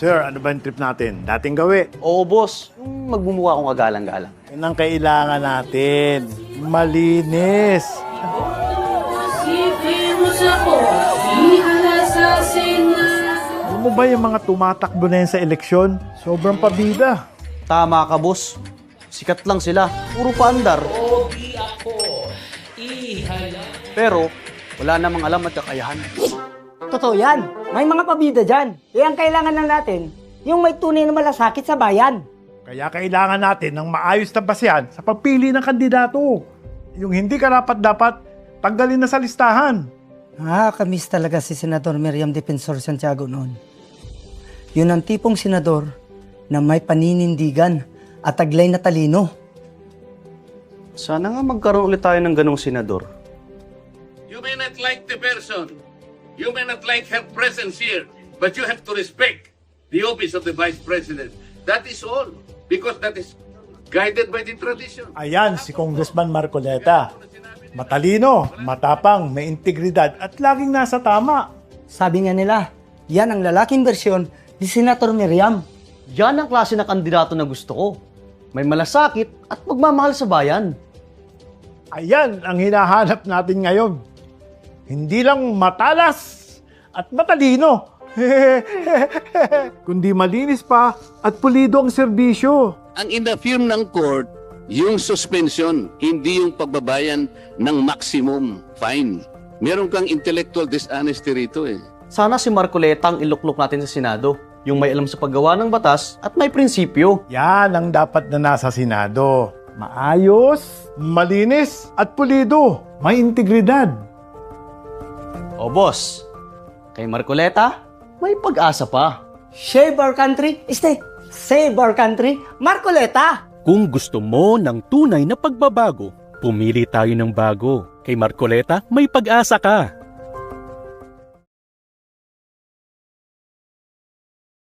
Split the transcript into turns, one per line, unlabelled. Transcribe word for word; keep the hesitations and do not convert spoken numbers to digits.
Sir, ano ba yung trip natin? Dating gawi.
Oo, boss. Yung magmumukha akong kagalang-galang.
Yan ang kailangan natin. Malinis. Alam mo ba yung mga tumatakbo na yan sa eleksyon? Sobrang pabida.
Tama ka, boss. Sikat lang sila. Puro paandar. Pero, wala namang alam at kakayahan.
Totoo yan. May mga pabida dyan. Eh, ang kailangan na natin, yung may tunay na malasakit sa bayan.
Kaya kailangan natin ng maayos na basehan sa pagpili ng kandidato. Yung hindi karapat-dapat, tanggalin na sa listahan.
Nakakamiss talaga si Senador Miriam Defensor Santiago noon. Yun ang tipong senador na may paninindigan at taglay na talino.
Sana nga magkaroon ulit tayo ng ganong senador.
You may not like the person, you may not like her presence here, but you have to respect the office of the Vice President. That is all, because that is guided by the tradition.
Ayan, si Congressman Marcoleta. Matalino, matapang, may integridad at laging nasa tama.
Sabi nga nila, yan ang lalaking bersyon ni Senator Miriam.
Yan ang klase na kandidato na gusto ko. May malasakit at magmamahal sa bayan.
Ayan ang hinahanap natin ngayon. Hindi lang matalas at matalino, kundi malinis pa at pulido ang serbisyo.
Ang in-affirm ng court, yung suspension, hindi yung pagbabayan ng maximum fine. Meron kang intellectual dishonesty rito eh.
Sana si Marcoleta ang iluklok natin sa Senado. Yung may alam sa paggawa ng batas at may prinsipyo.
Yan ang dapat na nasa Senado. Maayos, malinis at pulido. May integridad.
O boss, kay Marcoleta, may pag-asa pa.
Save our country, este, save our country, Marcoleta!
Kung gusto mo ng tunay na pagbabago, pumili tayo ng bago. Kay Marcoleta, may pag-asa ka.